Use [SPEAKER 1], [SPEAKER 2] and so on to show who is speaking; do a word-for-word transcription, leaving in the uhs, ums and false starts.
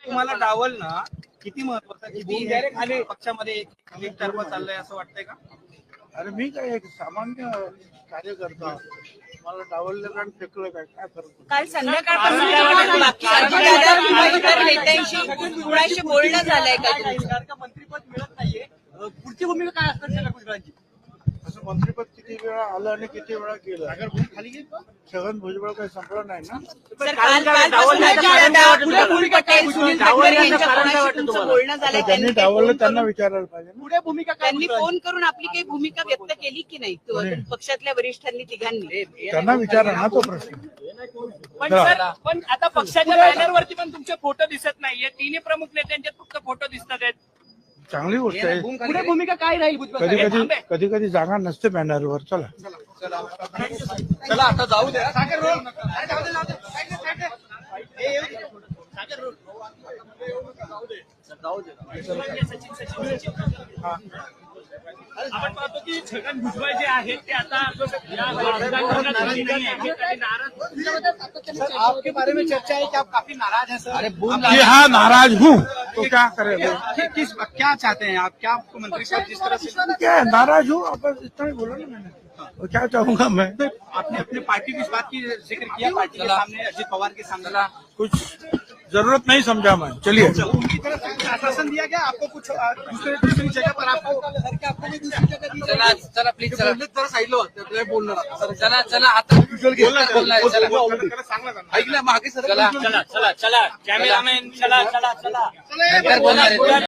[SPEAKER 1] तुम्हाला डावल ना किती महत्वाचं, किती पक्षामध्ये एकतर्फा चाललंय असं वाटतंय का?
[SPEAKER 2] अरे मी काय एक सामान्य कार्यकर्ता, मला डावललं आणि फेकलं काय काय फरक?
[SPEAKER 3] काल संध्याकाळपासून बाकी अजितदादा किंवा इतर नेत्यांशी कुणाशी बोलणं झालंय का तुमचं?
[SPEAKER 4] मंत्रिपद मिळत नाहीये, पुढची भूमिका काय असणार छगन भुजबळांची?
[SPEAKER 2] असं मंत्रिपद किती वेळा आलं आणि किती वेळा गेलं. छगन भुजबळ काही संपलं नाही ना.
[SPEAKER 3] सर, काल कालपासून अजितदादा, प्रफुल्ल पटेल, सुनील तटकरे यांच्या कोणाशी तुमचं बोलणं झालंय?
[SPEAKER 2] त्यांनी
[SPEAKER 3] त्यांनी
[SPEAKER 2] डावललं
[SPEAKER 3] फोन
[SPEAKER 2] त्यांना
[SPEAKER 3] करून-
[SPEAKER 2] विचारायला पाहिजे ना.
[SPEAKER 4] पुढे भूमिका काय?
[SPEAKER 3] त्यांनी फोन करून आपली काही भूमिका व्यक्त केली की नाही तु- पक्षातल्या वरिष्ठांनी तिघांनी?
[SPEAKER 2] त्यांना विचारा ना तो प्रश्न.
[SPEAKER 5] पण सर, पण आता पक्षाच्या बॅनरवरती पण तुमचे फोटो दिसत नाहीये. तिन्ही प्रमुख नेत्यांचे फक्त फोटो दिसत आहेत.
[SPEAKER 2] चांगली गोष्ट आहे.
[SPEAKER 4] पुढे भूमिका काय राहील भुजबळ
[SPEAKER 2] कधी
[SPEAKER 4] साहेब?
[SPEAKER 2] कधी कधी कधी जागा नसते बॅनरवर. चला
[SPEAKER 4] चला आता जाऊ द्या. सागर रोल. जाऊ दे, जाऊ दे. साईडने, साईडने. हे येऊ दे. सागर रोल. जाऊ दे.
[SPEAKER 5] सचिन सचिन सचिन आपण पाहतो की छगन भुजबळ जे आहेत ते आता या राजकारणात नाही आहेत आणि नाराज.
[SPEAKER 4] सर, आपके बारे में चर्चा है कि आप काफी नाराज हैं सर. अरे
[SPEAKER 2] कि हाँ नाराज हूँ तो क्या करें?
[SPEAKER 1] किस क्या चाहते हैं आप? क्या आपको मंत्रिपद जिस तरह से
[SPEAKER 2] क्या है, नाराज हूँ. अब इतना ही बोला ना मैंने. और क्या चाहूंगा मैं?
[SPEAKER 1] आपने अपने पार्टी की इस बात की जिक्र किया पार्टी के सामने, अजित पवार के सामने,
[SPEAKER 2] कुछ जरूरत नहीं समझा मैं. चलिए.
[SPEAKER 1] उनकी तरफ से आश्वासन दिया गया आपको कुछ अ, दूसरे दूसरी जगह पर आपको
[SPEAKER 4] आपको दूसरी जगह दी
[SPEAKER 6] चला चला प्लीज चला
[SPEAKER 4] जरा साईडला होतं बोलणार.
[SPEAKER 6] चला चला आता बोलणार बोलणार चला
[SPEAKER 1] ऐकलं मागे सर.
[SPEAKER 6] चला
[SPEAKER 5] चला चला चला कॅमेरामॅन चला चला चला
[SPEAKER 6] नंतर बोलणार आहे.